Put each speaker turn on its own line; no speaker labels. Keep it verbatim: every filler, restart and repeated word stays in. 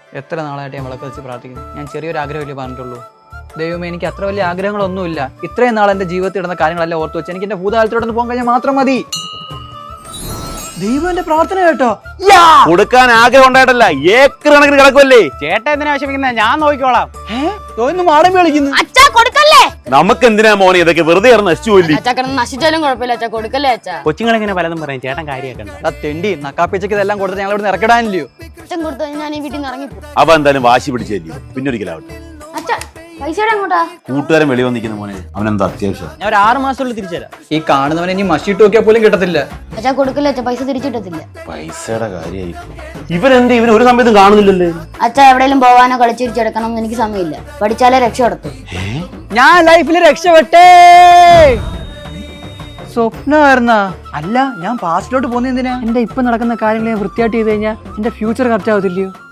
എത്ര നാളായിട്ട് ഞാൻ വിളക്ക് വെച്ച് പ്രാർത്ഥിക്കുന്നു. ഞാൻ ചെറിയൊരു ആഗ്രഹമല്ലേ പറഞ്ഞിട്ടുള്ളൂ. ദൈവമേ, എനിക്ക് അത്ര വലിയ ആഗ്രഹങ്ങളൊന്നുമില്ല. ഇത്രയും നാൾ എൻ്റെ ജീവിതത്തിൽ ഇടുന്ന കാര്യങ്ങളെല്ലാം ഓർത്ത് വെച്ച് എനിക്ക് എൻ്റെ ഭൂതകാലത്തോടൊന്ന് പോകാൻ കഴിഞ്ഞാൽ മാത്രം മതി. ദൈവം എന്റെ പ്രാർത്ഥന കേട്ടോ.
കൊടുക്കാൻ ആഗ്രഹം ഉണ്ടായിട്ടല്ല, ഏക്കർ കണക്കിന് കിടക്കുമല്ലേ.
ചേട്ടൻ എന്തിനാ വിഷമിക്കുന്നത്? ഞാൻ നോക്കിക്കോളാം.
തോന്നുന്നു മാടമ്പി കളിക്കുന്നു.
അച്ഛാ കൊടുക്കല്ലേ.
നമുക്ക് എന്തിനാ മോനെ ഇതൊക്കെ? വെറുതെ നശിച്ചു പോയില്ലേ.
അച്ഛാ കിടന്ന് നശിച്ചാലും കുഴപ്പമില്ല അച്ഛാ, കൊടുക്കല്ലേ അച്ഛാ.
കൊച്ചുങ്ങളിങ്ങനെ പലതും പറയും, ചേട്ടൻ കാര്യമാക്കണ്ട.
തെണ്ടി നക്കാപ്പിച്ചക്ക് ഇതെല്ലാം കൊടുത്ത് ഞങ്ങൾ ഇവിടെ ഇറക്കിടാനില്ലയോ?
അച്ഛൻ കൊടുത്തു ഞാൻ ഈ വീട്ടിൽ നിന്ന് ഇറങ്ങിപ്പോ.
അവ എന്തായാലും വാശി പിടിച്ചല്ലേ, പിന്നൊരിക്കലാവട്ടെ.
അച്ഛാ പൈസയുടെ എങ്ങോട്ടാ?
കൂട്ടുകാരൻ വെളി വന്നിരിക്കുന്ന മോനെ, അവനെന്താ അത്യാവശ്യം?
ഞാൻ ഒരു ആറ് മാസത്തിനുള്ളിൽ തിരിച്ചുതരാം.
ഈ കാണുന്നവനെ ഇനി മഷിട്ട് നോക്കിയാൽ പോലും കിട്ടത്തില്ല.
അച്ഛാ കൊടുക്കല്ലേ അച്ഛാ, പൈസ തിരിച്ചിട്ടത്തില്ല.
പൈസയുടെ കാര്യമായി ഇവരെന്ത് ഇവൻ ഒരു സമയത്തും കാണുന്നില്ലല്ലേ.
അച്ഛാ എവിടെയെങ്കിലും പോവാനോ കളിച്ചിരിച്ചെടുക്കണം എന്ന് എനിക്ക് സമയമില്ല. പഠിച്ചാലേ രക്ഷപ്പെടുത്തു.
ഞാൻ ലൈഫിൽ രക്ഷപ്പെട്ടേ. സ്വപ്നമായിരുന്ന അല്ല, ഞാൻ പാസ്റ്റിലോട്ട് പോകുന്ന എന്തിനാ? എന്റെ ഇപ്പൊ നടക്കുന്ന കാര്യങ്ങൾ ഞാൻ വൃത്തിയായിട്ട് ചെയ്ത് കഴിഞ്ഞാൽ എന്റെ ഫ്യൂച്ചർ കറക്റ്റ് ആവത്തില്ലയോ?